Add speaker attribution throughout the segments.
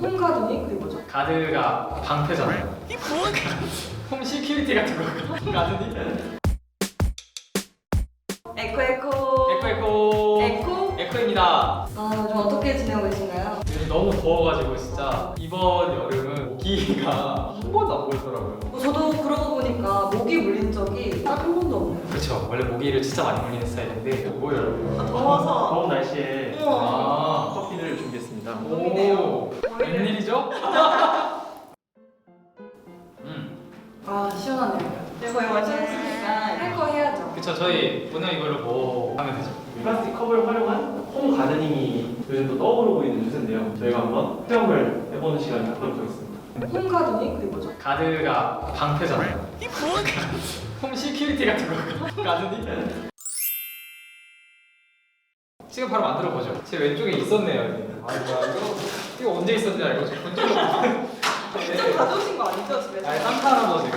Speaker 1: 홈가든이 그게 뭐죠?
Speaker 2: 가드가 방패잖아요. 홈 시큐리티 같은 거. 가드니?
Speaker 1: 에코.
Speaker 2: 에코입니다.
Speaker 1: 요즘 어떻게 지내고 계신가요?
Speaker 2: 요즘 너무 더워가지고 진짜 이번 여름은 모기가 한 번도 안 보이더라고요.
Speaker 1: 저도 그러고 보니까 모기 물린 적이 딱 한 번도 없네요.
Speaker 2: 그렇죠. 원래 모기를 진짜 많이 물리는 스타일인데 뭐예요?
Speaker 1: 더워서.
Speaker 3: 더운 날씨에
Speaker 2: 아,
Speaker 3: 커피를 준비했습니다.
Speaker 2: 오, 웬일이죠?
Speaker 1: 시원하네요. 네, 거의 완성했으니까 할 거 해야죠.
Speaker 2: 그쵸. 저희 오늘 이걸로 뭐 하면 되죠?
Speaker 3: 플라스틱 컵을 활용한 홈 가드닝이 요즘 또 떠오르고 있는 추세인데요. 저희가 한번 체험을 해보는 시간을 갖도록 하겠습니다.
Speaker 1: 홈가든이 그게 뭐죠?
Speaker 2: 가드가 방패잖아요. 홈 시큐리티 같은 거. 가드니? 지금 바로 만들어 보죠. 제 왼쪽에 있었네요. 아 이거 언제 있었는지 알고 지금 본 적이 없는데.
Speaker 1: 직접 가져오신 거 아니죠, 집에서?
Speaker 2: 아니 산타 할아버지가.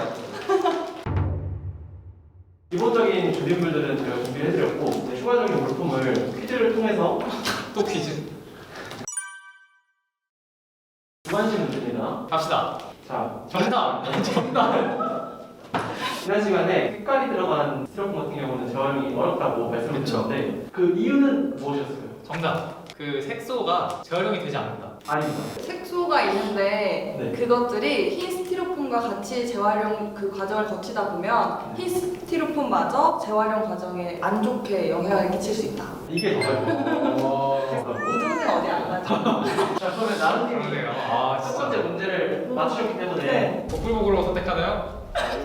Speaker 3: 기본적인 조립물들은 저희가 준비를 해드렸고 이제 추가적인 물품을 퀴즈를 통해서
Speaker 2: 또 퀴즈.
Speaker 3: 두 가지 문제입니다.
Speaker 2: 갑시다.
Speaker 3: 자,
Speaker 2: 정답.
Speaker 3: 지난 시간에 색깔이 들어간 스티로폼 같은 경우는 재활용이 어렵다고 말씀을 드렸는데 그 이유는 무엇이었을까요?
Speaker 2: 정답. 그 색소가 재활용이 되지 않는다.
Speaker 3: 아닙니다.
Speaker 1: 색소가 있는데
Speaker 3: 네.
Speaker 1: 그것들이 흰 스티로폼과 같이 재활용 그 과정을 거치다 보면 흰 스티로폼마저 재활용 과정에 안 좋게 영향을 끼칠 수 있다.
Speaker 3: 이게 정답입니다.
Speaker 1: 우등생 어디 안 가죠?
Speaker 3: 자, 그러면 나른님이
Speaker 2: 그러네요. 아
Speaker 3: 첫
Speaker 2: 진짜.
Speaker 3: 번째 문제를 맞추셨기 때문에
Speaker 1: 네.
Speaker 2: 복불복으로 선택하나요?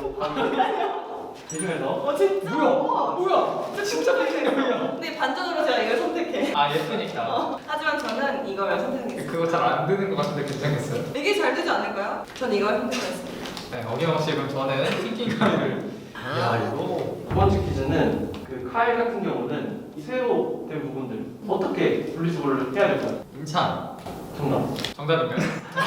Speaker 3: 대중에서
Speaker 1: 진짜?
Speaker 2: 뭐야? 진짜 팬이야.
Speaker 1: 근데 반전으로 제가 이걸 선택해.
Speaker 2: 아 예쁘니까.
Speaker 1: 하지만 저는 이걸 선택하겠습니다.
Speaker 2: 그거 잘 안 되는 것 같은데 괜찮겠어요?
Speaker 1: 이게 잘 되지 않을까요? 전 이걸 선택했습니다.
Speaker 2: 네, 어김없이 그럼 저는 킹킹 가위를. 야 이거.
Speaker 3: 두 번째 퀴즈는 그 카일 같은 경우는 이 쇠로 된 부분들 어떻게 분리수거를 해야 될까요?
Speaker 2: 인찬.
Speaker 3: 정답.
Speaker 2: 정답인가요?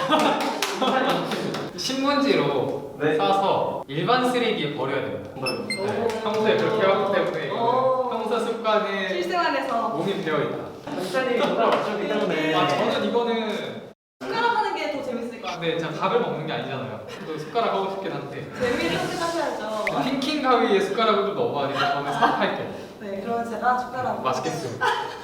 Speaker 2: 신문지로
Speaker 3: 네.
Speaker 2: 싸서 일반 쓰레기에 버려야 됩니다.
Speaker 3: 정답입니다.
Speaker 2: 네, 평소에 그렇게 하기 때문에
Speaker 1: 오.
Speaker 2: 이거는 평소 습관에
Speaker 1: 실생활에서
Speaker 2: 몸이 배어있다.
Speaker 3: 박사님이 정답을 맞추셨기 때문에
Speaker 2: 아 저는 이거는
Speaker 1: 숟가락 하는 게 더 재밌을 것 같아요.
Speaker 2: 근데 제가 밥을 먹는 게 아니잖아요. 또 숟가락 하고 싶긴 한데
Speaker 1: 재미를 선택하셔야죠.
Speaker 2: 킹킹 가위에 숟가락을 좀 넣어봐니까 저는 삽할게요.
Speaker 1: 네, 그러면 제가 숟가락.
Speaker 2: 맛있겠어요.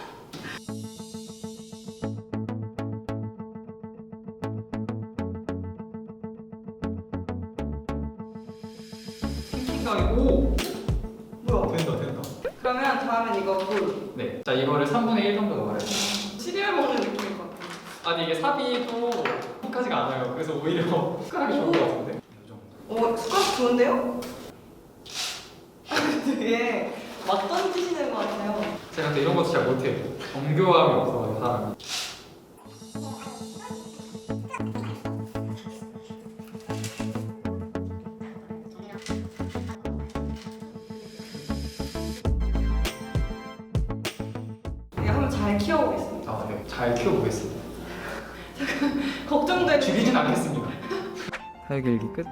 Speaker 2: 킹킹 가위 오!
Speaker 1: 뭐야?
Speaker 2: 된다.
Speaker 1: 그러면 다음엔 이거 물.
Speaker 2: 네. 자 이거를 3분의 1 정도 넣어야 돼요.
Speaker 1: 시리얼 먹는 느낌일 것 같아요.
Speaker 2: 아니 이게 삽입도 톡하지가 않아요. 그래서 오히려 숟가락이 좋은 것 같은데. 이 정도.
Speaker 1: 숟가락 좋은데요? 되게 막 던지시는 것 같아요.
Speaker 2: 제가 또 이런 것도 잘 못해요. 정교함이 없어가지고 사람이.
Speaker 1: 네, 한번 잘 키워보겠습니다.
Speaker 2: 아, 네. 잘 키워보겠습니다.
Speaker 1: 걱정되는.
Speaker 2: 죽이진 않겠습니다. 사육일기 끝.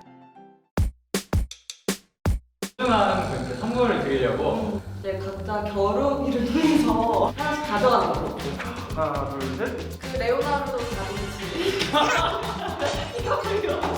Speaker 2: 소중한 그 선물을 드리려고
Speaker 1: 이제 각자 겨루기를 통해서 하나씩 가져가는 거죠.
Speaker 3: 하나, 둘, 셋.
Speaker 1: 그 레오나르도 다빈치. 이거 걸려.